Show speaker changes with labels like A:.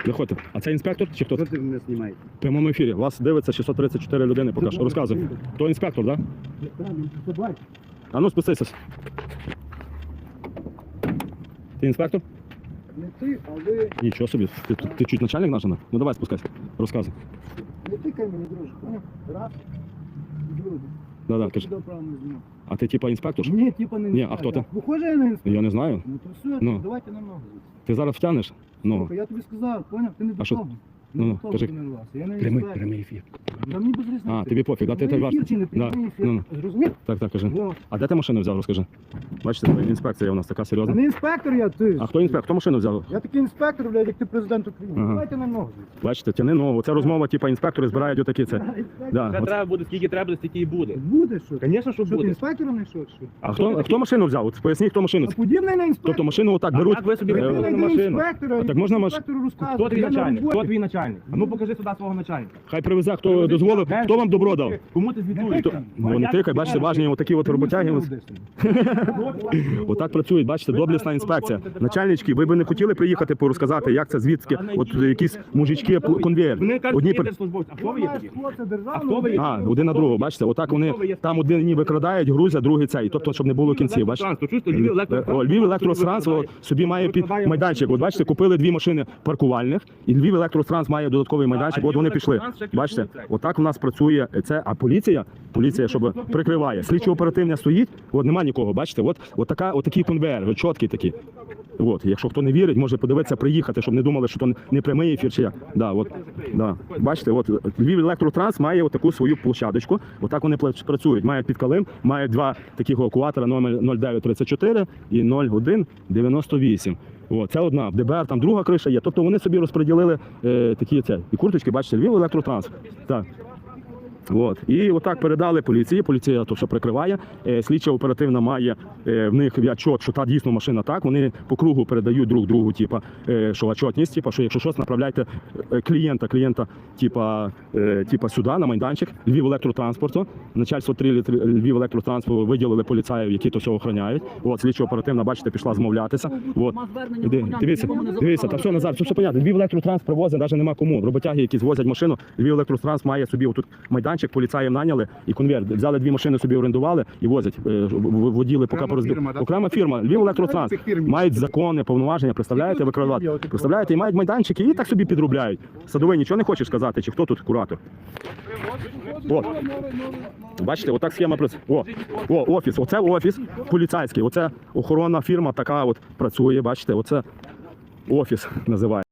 A: Заходьте. А це інспектор чи хто?
B: Що ти мене знімаєш?
A: В прямому ефірі. Вас дивиться 634 людини поки що. Розказуй. То інспектор, так? Да? А ну спустися. Ти інспектор?
B: Не ти, а ви...
A: Нічого собі. Ти чуть начальник наш? Ну давай спускайся. Розказуй.
B: Не тикай мене, друже. Раз. Друге.
A: Да, кажи. А ти типа інспектор?
B: Ні, типа не
A: Ні, а хто ти?
B: Похоже я на інспектор.
A: Я не знаю.
B: Ну то все,
A: Ну.
B: давайте на ногу.
A: Ти зараз втягнеш? Ну.
B: Слухай, я тобі сказав, поняв? Ти не до
A: А що?
B: того.
A: Ну,
B: Не до того
A: кажи.
B: ти не власне. Я не інспектор.
A: Прямий ефір.
B: Та мені без різниці.
A: А, тобі пофіг, да? Ти
B: Прямий
A: важко.
B: ефір чи не прямий ефір?
A: Ну.
B: Зрозумів?
A: Так, кажи.
B: Ну.
A: А де ти машину взяв, розкажи? Бачите, інспекція у нас така
B: Та
A: серйозна.
B: не інспектор я, ти.
A: А хто інспектор? Хто машину взяв?
B: Я такий інспектор, блядь, як ти президент України.
A: Ага.
B: Давайте на ногу.
A: Бачите, тяни ногу. Це розмова, типа інспектори збирають отакі це. Да.
C: Це
A: От.
C: треба буде, скільки треба, стільки і буде.
B: Буде що?
C: Звісно, що
B: Що ти
C: буде.
B: інспектором знайшов, що?
A: А хто машину взяв? От поясніть, хто машину.
B: А подібний на інспектора?
A: Тобто машину отак
C: А
A: беруть.
C: як ви собі
A: е,
C: придумали
B: на
C: машину?
B: інспектора,
A: А так можна
B: інспектору розказувати.
C: Хто твій
B: Я на
C: начальник?
B: роботі.
C: Хто твій начальник? А ну покажи сюди свого начальника.
A: Хай привезе, хто дозволив, хто вам добро дав.
C: Кому ти звітуєш?
A: Хто? Ну не тикай, бачите, важні отакі от роботяги. Отак працюють, бачите, доблісна інспекція. Начальнички, ви б не хотіли приїхати порозказати, як це звідки, от якісь мужички конвейер.
C: Вони кажуть,
A: Одні
C: що є службовці. А хто ви є такі?
B: А
C: хто ви є?
A: А, один на другого, бачите, отак вони там один ніби крадають, грузять, другий цей, тобто, щоб не було кінців, бачите. Львів електротранс собі має під майданчик. От бачите, купили дві машини паркувальних, і Львів електротранс має додатковий майданчик, от вони пішли. Бачите, отак у нас працює це, а поліція, щоб прикриває. Слідчо-оперативна стоїть, от нема нікого, бачите, от такий конвейер, от чіткий такий. От, якщо хто не вірить, може подивитися, приїхати, щоб не думали, що то не прямий ефір чи як. Да, от, да. Бачите, от Львів електротранс має от таку свою площадочку, отак вони працюють. Мають під калим, мають два таких евакуатора номер 0934 і 0198. О, це одна, в ДБР там друга криша є. Тобто вони собі розподілили такі і курточки, бачите, Львів електротранс. Так. От. І отак передали поліції, поліція то що прикриває, слідча оперативна має в них відчот, що та дійсно машина так, вони по кругу передають друг другу, типа, що отчетність, типа, що якщо щось, направляйте клієнта сюди, на майданчик, Львів електротранспорту, начальство 3 Львів електротранспорту виділили поліцаїв, які то все охороняють. От, слідча оперативна, бачите, пішла змовлятися. От. Дивіться, та все, Назар, все понятно. Львів електротранс привозить, навіть нема кому. Роботяги, які звозять машину, Львів електротранс має собі отут майданчик, поліцаїв наняли і конвейер. Взяли дві машини, собі орендували і возять. Воділи поки порозбили. Окрема фірма, Львів електротранс. Мають закони, повноваження, представляєте, викривати. Представляєте, і мають майданчики, і так собі підробляють. Садовий нічого не хочеш сказати, чи хто тут куратор? От. Бачите, отак схема працює. Офіс. Оце офіс поліцейський. Оце охоронна фірма така от працює, бачите, оце офіс називає.